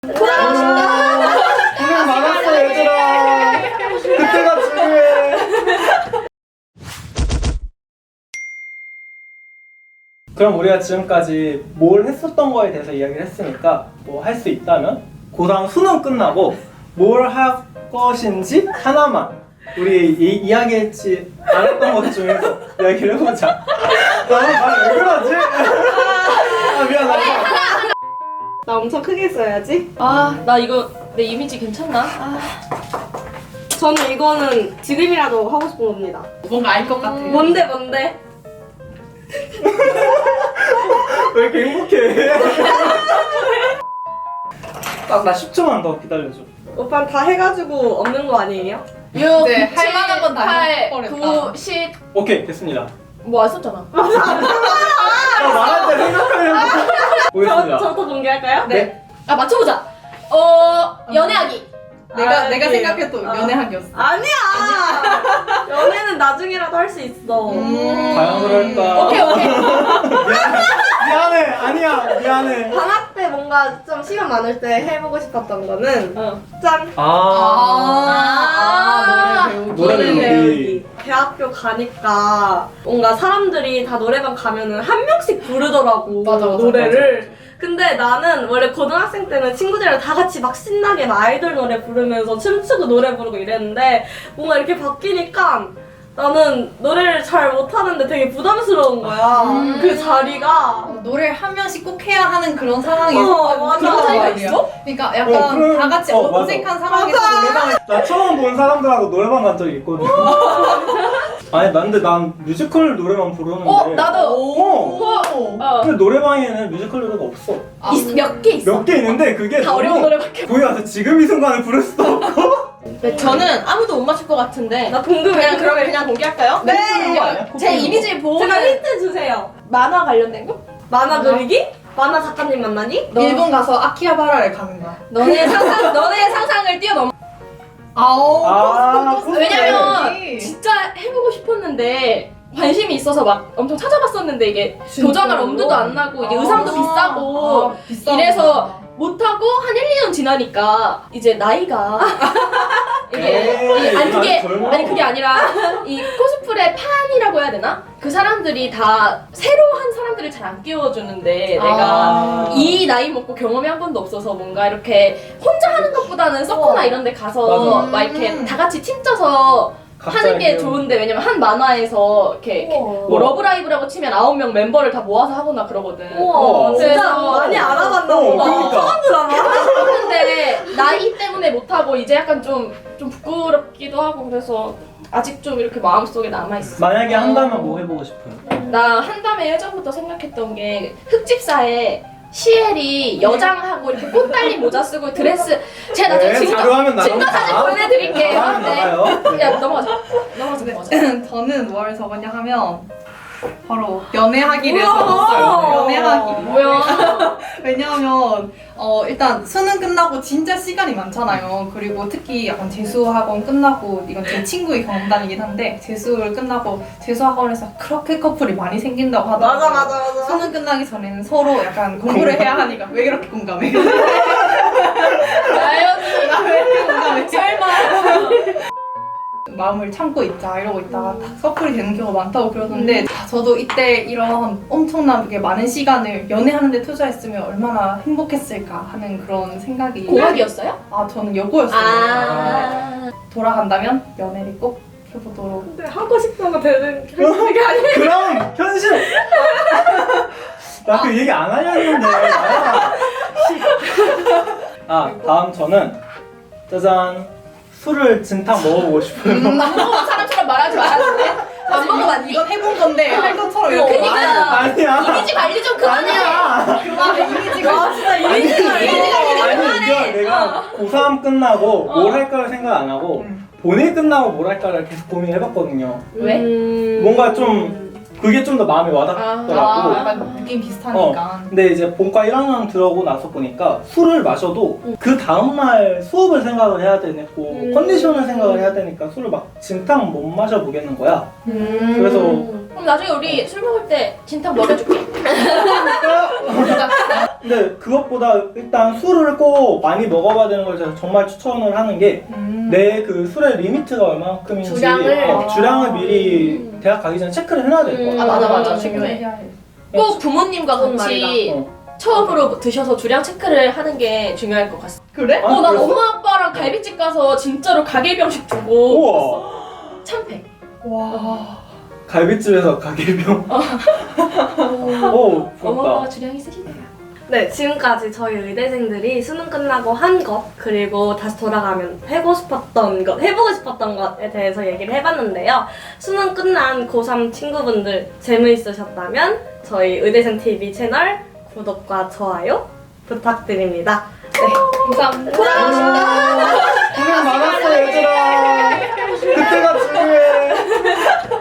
고생 많았어 얘들아. 그때가 중요해. 그럼 우리가 지금까지 뭘 했었던 거에 대해서 이야기를 했으니까 뭐 할 수 있다면 고3 수능 끝나고 뭘 할 것인지 하나만 우리 이야기했지 않았던 것 중에서 이야기를 해보자. 나는 말 왜 그러지? 아 미안하다. 나 엄청 크게 써야지. 나 이거 내 이미지 괜찮나? 저는 이거는 지금이라도 하고 싶은 겁니다. 뭔가 알 것 같아. 뭔데? 왜 이렇게 행복해? 딱 나 10초만 더 기다려줘. 오빠는 다 해가지고 없는 거 아니에요? 6, 이제 할 만한 건다 8, 해버렸다. 9, 10. 오케이 됐습니다. 뭐 안 썼잖아. 나 말할 때 생각하려고. 보겠습니다. 저부터 공개할까요? 네. 맞춰보자. 연애하기. 내가 생각해도 연애하기였어. 아니야. 연애는 나중에라도 할 수 있어. 과연 그럴까? 오케이. 미안해. 아니야. 미안해. 방학 때 뭔가 좀 시간 많을 때 해보고 싶었던 거는 짠! 노래 노래 배우기. 배우기. 대학교 가니까 뭔가 사람들이 다 노래방 가면은 한 명씩 부르더라고. 맞아. 노래를. 근데 나는 원래 고등학생 때는 친구들이랑 다 같이 막 신나게 막 아이돌 노래 부르면서 춤추고 노래 부르고 이랬는데 뭔가 이렇게 바뀌니까 나는 노래를 잘 못하는데 되게 부담스러운 거야. 그 자리가. 노래를 한 명씩 꼭 해야 하는 그런 상황에서 맞아. 그런 자리가 있어? 그러니까 약간 그럼- 다 같이 맞아. 어색한 상황에서 노래방을 나 처음 본 사람들하고 노래방 간 적이 있거든. 아니 근데 난 뮤지컬 노래만 부르는데. 나도. 근데 노래방에는 뮤지컬 노래가 없어. 몇 개 있어. 몇 개 있는데 그게 다 어려운 노래밖에. 거기 가서 지금 이 순간을 부를 수도 없고. 네, 저는 아무도 못 맞출 것 같은데. 나 궁금해. 그냥 공개할까요? 네. 그런 거 아니야? 제 이미지 보고 제가 힌트 주세요. 만화 관련된 거? 만화 그리기? 만화 작가님 만나니? 일본 가서 아키하바라를 가는 거야. 너네 상상을 뛰어넘어. 왜냐면 진짜 해보고 싶었는데 관심이 있어서 막 엄청 찾아봤었는데 이게 도전할 엄두도 안 나고 이게 의상도 비싸고 이래서 못하고 한 1, 2년 지나니까 이제 나이가 그게 아니라 이 코스프레 판이라고 해야 되나? 그 사람들이 다 새로 한 사람들을 잘 안 끼워주는데 내가 이 나이 먹고 경험이 한 번도 없어서 뭔가 이렇게 혼자 하는 것보다는 서커나 이런 데 가서 막 이렇게 다 같이 팀 짜서 하는 게 좋은데 왜냐면 한 만화에서 이렇게 뭐 러브라이브라고 치면 9명 멤버를 다 모아서 하거나 그러거든. 우와, 진짜 그래서 많이 알아봤나 보다. 그러니까. 처음 들어봐. 근데 나이 때문에 못하고 이제 약간 좀 부끄럽기도 하고 그래서 아직 좀 이렇게 마음속에 남아있어. 만약에 한다면 뭐 해보고 싶어요? 나 한담에 예전부터 생각했던 게 흑집사에 시엘이 여장하고 이렇게 꽃 달린 모자 쓰고 드레스 제가 나중에 자료하면 나가면 증거 사진 나가. 보내드릴게요. 나가면 나가요. 야 넘어가자. 저는 뭘 적었냐 하면 바로 연애하기를 우와. 적었어요. 연애하기. 뭐야? 왜냐하면 일단 수능 끝나고 진짜 시간이 많잖아요. 그리고 특히 약간 재수학원 끝나고 이건 제 친구의 경험담이긴 한데 재수를 끝나고 재수학원에서 그렇게 커플이 많이 생긴다고 하더라고요. 맞아. 수능 끝나기 전에는 서로 약간 공부를 해야 하니까 왜 그렇게 공감해? 나연이 왜 이렇게 공감해? 설마 마음을 참고 있자 이러고 있다가 딱 커플이 되는 경우가 많다고 그러던데 저도 이때 이런 엄청나게 많은 시간을 연애하는 데 투자했으면 얼마나 행복했을까 하는 그런 생각이 공학이었어요? 저는 여고였어요. 아. 돌아간다면 연애를 꼭 해보도록. 근데 하고 싶은 거 되는 게 아니야. 그럼 현실. 나 그 얘기 안 하려 했는데. 다음 저는 짜잔. 술을 진탕 먹어보고 싶어요. 안 먹어본 사람처럼 말하지 말아줄래? 안 먹어봤니? 이건 해본 건데 할 것처럼 이렇게 그니까. 말하지 마. 아니야. 이미지 관리 좀 그만해. 아니야. 그만해 이미지가 진짜 이미지가 아니 이거 내가 고3 끝나고 뭘 할까를 생각 안 하고 본일 끝나고 뭘 할까를 계속 고민해봤거든요. 왜? 뭔가 좀 그게 좀 더 마음에 와닿더라고. 약간 느낌 비슷하니까. 근데 이제 본과 1학년 들어오고 나서 보니까 술을 마셔도 그 다음날 수업을 생각을 해야 되고 컨디션을 생각을 해야 되니까 술을 막 진탕 못 마셔보겠는 거야. 그래서 그럼 나중에 우리 술 먹을 때 진탕 먹여줄게. 근데 그것보다 일단 술을 꼭 많이 먹어봐야 되는 걸 제가 정말 추천을 하는 게 내 그 술의 리미트가 얼마큼인지 주량을 미리 대학 가기 전에 체크를 해놔야 될 것 같아요. 맞아 중요해. 꼭 부모님과 그건 같이 어. 처음으로 드셔서 주량 체크를 하는 게 중요할 것 같아. 그래? 아, 나 그랬어? 엄마 아빠랑 갈비집 가서 진짜로 가게병식 두고 우와. 참패. 와. 갈비집에서 가게병. 오, 어머가 부럽다. 주량 있으시대요. 네, 지금까지 저희 의대생들이 수능 끝나고 한 것, 그리고 다시 돌아가면 해보고 싶었던 것에 대해서 얘기를 해봤는데요. 수능 끝난 고3 친구분들 재미있으셨다면 저희 의대생TV 채널 구독과 좋아요 부탁드립니다. 네, 감사합니다. 고생 많았어, 얘들아. 그때가 중요해.